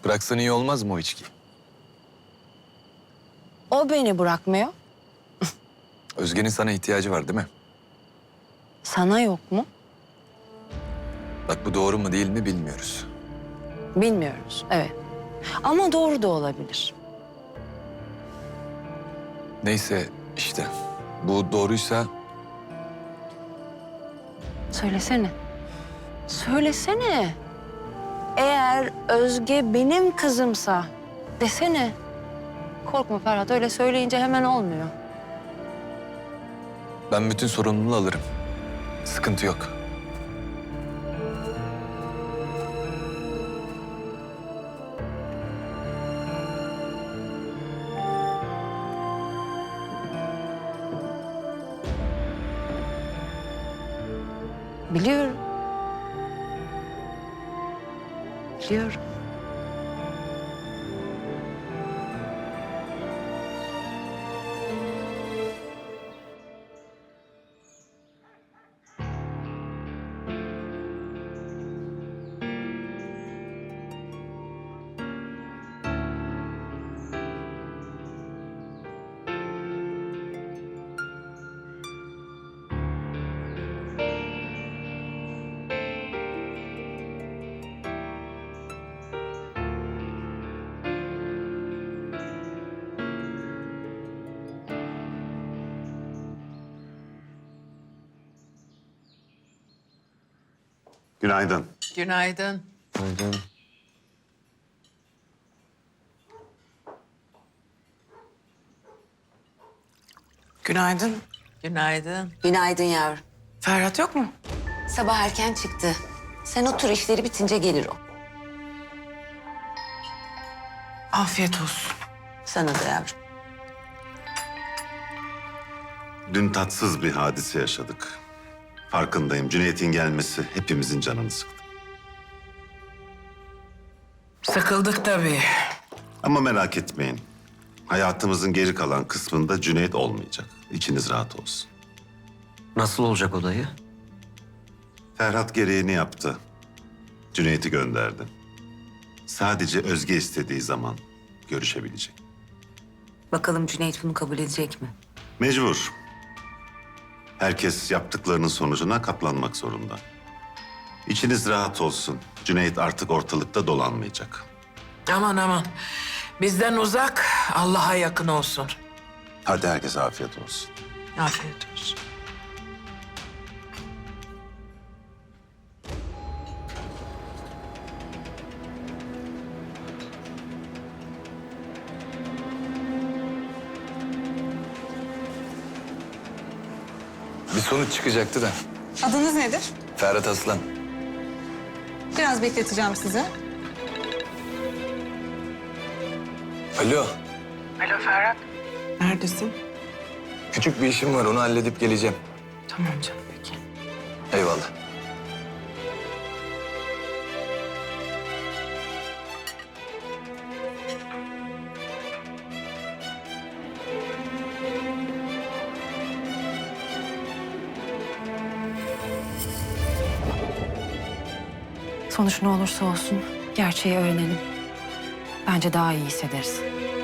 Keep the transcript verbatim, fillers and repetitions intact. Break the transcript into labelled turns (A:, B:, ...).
A: Bıraksan iyi olmaz mı o içkiyi?
B: O beni bırakmıyor.
A: Özge'nin sana ihtiyacı var değil mi?
B: Sana yok mu?
A: Bak bu doğru mu değil mi bilmiyoruz.
B: Bilmiyoruz, evet. Ama doğru da olabilir.
A: Neyse işte bu doğruysa
B: Söylesene. Söylesene. Eğer Özge benim kızımsa desene. Korkma Ferhat, öyle söyleyince hemen olmuyor.
A: ben bütün sorumluluğu alırım. Sıkıntı yok.
B: Biliyorum. Biliyorum.
C: Günaydın.
D: Günaydın.
E: Günaydın.
D: Günaydın.
F: Günaydın yavrum.
E: Ferhat yok mu?
F: Sabah erken çıktı. Sen otur, işleri bitince gelir o.
E: Afiyet olsun.
F: Sana da yavrum.
C: Dün tatsız bir hadise yaşadık. Farkındayım. Cüneyt'in gelmesi hepimizin canını sıktı.
E: Sıkıldık tabii.
C: Ama merak etmeyin. Hayatımızın geri kalan kısmında Cüneyt olmayacak. İçiniz rahat olsun.
G: Nasıl olacak o dayı?
C: Ferhat gereğini yaptı. Cüneyt'i gönderdi. Sadece Özge istediği zaman görüşebilecek.
F: Bakalım Cüneyt bunu kabul edecek mi?
C: Mecbur. Herkes yaptıklarının sonucuna katlanmak zorunda. İçiniz rahat olsun. Cüneyt artık ortalıkta dolanmayacak.
E: Aman aman. Bizden uzak, Allah'a yakın olsun.
C: Hadi herkese afiyet olsun.
E: Afiyet olsun.
A: bir sonuç çıkacaktı da.
H: Adınız nedir?
A: Ferhat Aslan.
H: Biraz bekleteceğim sizi.
A: Alo.
E: Alo Ferhat. Neredesin?
A: Küçük bir işim var onu halledip geleceğim.
E: Tamam canım peki.
A: Eyvallah.
B: Sonuç ne olursa olsun gerçeği öğrenelim. Bence daha iyi hissederiz.